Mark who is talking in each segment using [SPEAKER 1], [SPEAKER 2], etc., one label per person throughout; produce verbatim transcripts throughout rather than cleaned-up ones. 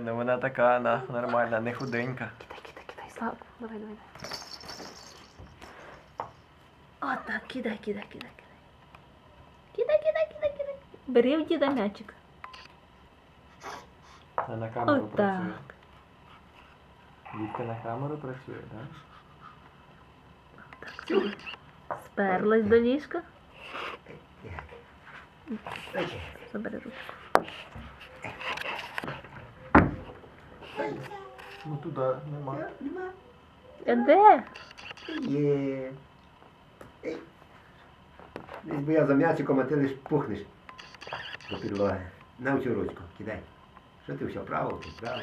[SPEAKER 1] ну вона така, вона нормальна, не худенька.
[SPEAKER 2] Кидай, кидай, кидай, Славку. Давай, давай. От так, кидай, кидай, кидай, кидай. Кидай, кидай, кидай, кидай. Бери в діда м'ячик.
[SPEAKER 1] А на камеру
[SPEAKER 2] От
[SPEAKER 1] працює.
[SPEAKER 2] так.
[SPEAKER 1] Дітка на камеру працює, так?
[SPEAKER 2] Сперлась до ліжка. Забери ручку.
[SPEAKER 1] Ну туди нема.
[SPEAKER 2] А де?
[SPEAKER 3] Є. Ей. Десь бо я за м'ячиком, а ти лиш пухнеш до підлоги. На цю ручку, кидай. Що ти все, право, ти право.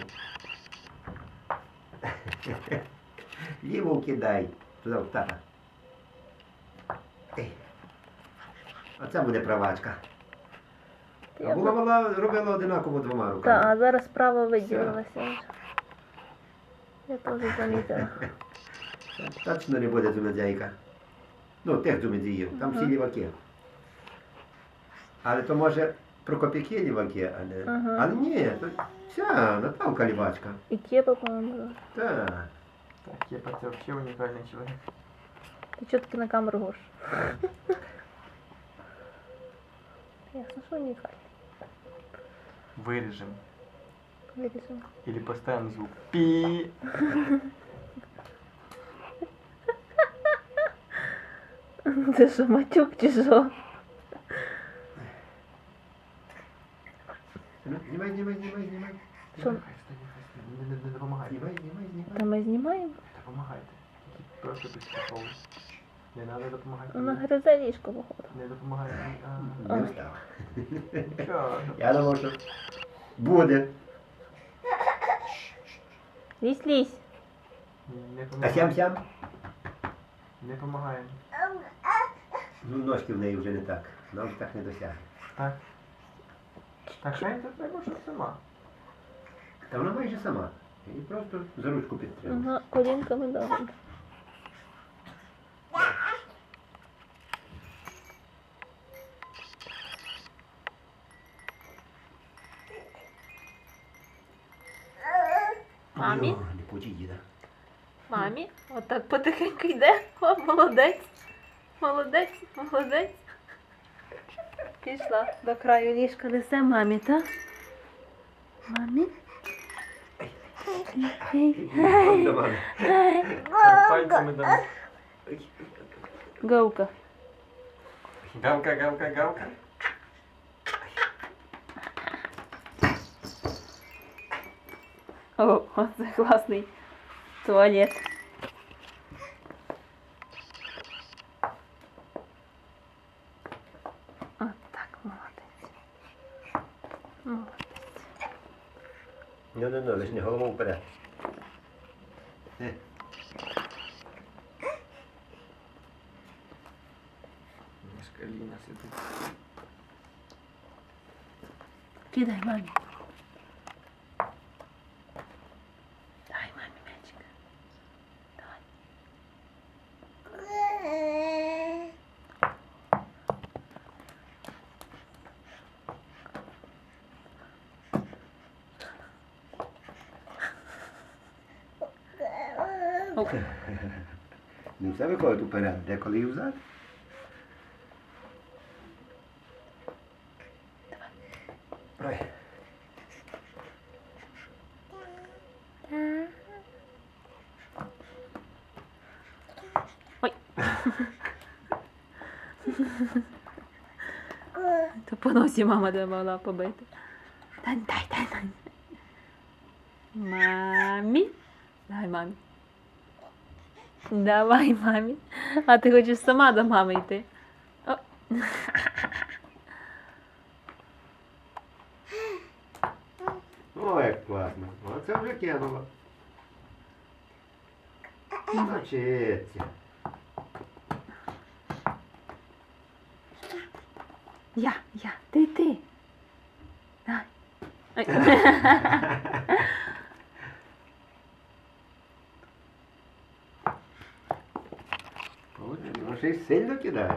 [SPEAKER 3] Ліву кидай. Туди в тата. Ей. Оце буде правачка. А була вона робила одинаково двома
[SPEAKER 2] Так,
[SPEAKER 3] руками.
[SPEAKER 2] а зараз справа виділилася вже. Я теж замітила.
[SPEAKER 3] Точно не буде зумедзяйка. Ну, тих зумедзіїв, там всі
[SPEAKER 2] Ага.
[SPEAKER 3] ліваки. Але то може Прокоп'яки ліваки, а не...
[SPEAKER 2] Ага.
[SPEAKER 3] Але ні, то вся Наталка лівачка.
[SPEAKER 2] І кепа, по-моєму.
[SPEAKER 3] Так.
[SPEAKER 1] Так, Кепа, це взагалі унікальний чоловік.
[SPEAKER 2] Ти чого таки на камеру гош? Ясно, що унікальний.
[SPEAKER 1] Виріжемо.
[SPEAKER 2] Вирішимо.
[SPEAKER 1] Или поставимо звук. Пі.
[SPEAKER 2] Це що, матюк чи що?
[SPEAKER 3] Ну, знімай, знімай, знімай, знімай.
[SPEAKER 2] Що?
[SPEAKER 1] Хай стає, хай стає. Не, не, не допомагайте.
[SPEAKER 3] Знімай, знімай, знімай.
[SPEAKER 2] Та ми знімаємо?
[SPEAKER 1] Допомагайте. Тільки просто підстраховуй. Не треба допомагати.
[SPEAKER 2] Вона гризе ліжко, походу.
[SPEAKER 1] Не допомагайте.
[SPEAKER 3] Не
[SPEAKER 1] А,
[SPEAKER 3] встав.
[SPEAKER 1] Нічого.
[SPEAKER 3] Я думав, що буде.
[SPEAKER 2] Лізь, лізь.
[SPEAKER 1] Не
[SPEAKER 3] А
[SPEAKER 1] допомагає.
[SPEAKER 3] сям-сям?
[SPEAKER 1] Не допомагає.
[SPEAKER 3] Ну, ножки в неї вже не так. Вона вже так не досягне.
[SPEAKER 1] Так. Так, Шень, це треба, щоб сама.
[SPEAKER 3] Та вона майже сама. І просто за ручку підтримує.
[SPEAKER 2] Ага, колінками добре. Мамі?
[SPEAKER 3] О, не почи діда.
[SPEAKER 2] Мамі? Отак потихеньку йде. О, молодець. Молодець, молодець. Пішла до краю ліжка, несе мамі, так? Мамі? Ей,
[SPEAKER 3] Ой, до мене.
[SPEAKER 1] Так, пальцями дамо.
[SPEAKER 2] Говка.
[SPEAKER 1] Гавка, гавка, гавка.
[SPEAKER 2] О, оце класний туалет. От так, молодець. Молодець.
[SPEAKER 3] Ну, ну, ну, лиш не голову вперед. Е.
[SPEAKER 1] Мішкаліна сидить.
[SPEAKER 2] Кидай мамі. Дай мамі мячик. Давай. Оп.
[SPEAKER 3] Не все виходить уперед, деколи і взад. Ой.
[SPEAKER 2] Ой. То по носі мама де могла побити. Дай, дай, дай, дай. Мамі. Дай мамі. Давай мамі. А ти хочеш сама до мами йти? О.
[SPEAKER 3] О, як класно. Оце вже кинула. Навчиться.
[SPEAKER 2] Я, я, ти, ти. Дай. Ой.
[SPEAKER 3] Ну, ще й сильно кидає.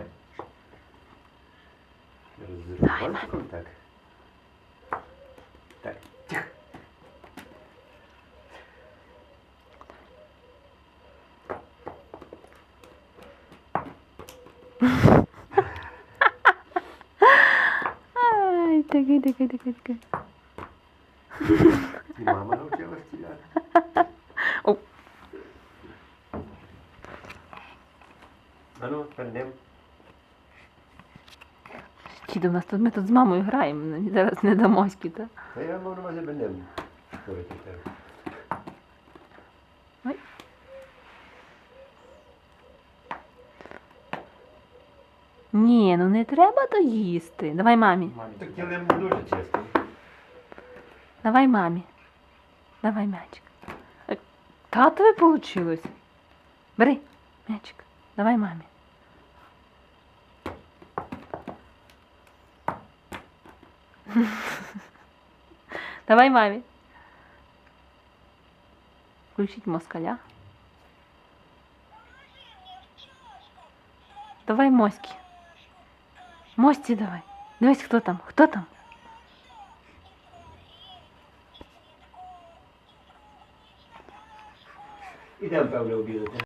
[SPEAKER 3] З пальчиком так. Так, тих.
[SPEAKER 2] Ай, такий, такий, такий, такий.
[SPEAKER 3] І мама навчила стріляти.
[SPEAKER 2] О.
[SPEAKER 3] А ну, перейдемо.
[SPEAKER 2] Чи до нас тут ми тут з мамою граємо, мені зараз не дамоськи, так?
[SPEAKER 3] Та я мав на увазі перейдемо. Що ви тут кажете?
[SPEAKER 2] Ой. Ні, ну не треба то їсти. Давай мамі.
[SPEAKER 1] Мамі.
[SPEAKER 3] Так килим дуже чисто.
[SPEAKER 2] Давай мамі. Давай м'ячик. Е, Татові вийшло. Бери м'ячик. Давай мамі. Давай мамі. Включіть москаля. Давай моськи. Мості давай. Дивись, хто там? Хто там?
[SPEAKER 3] Ідемо, певно, обідати.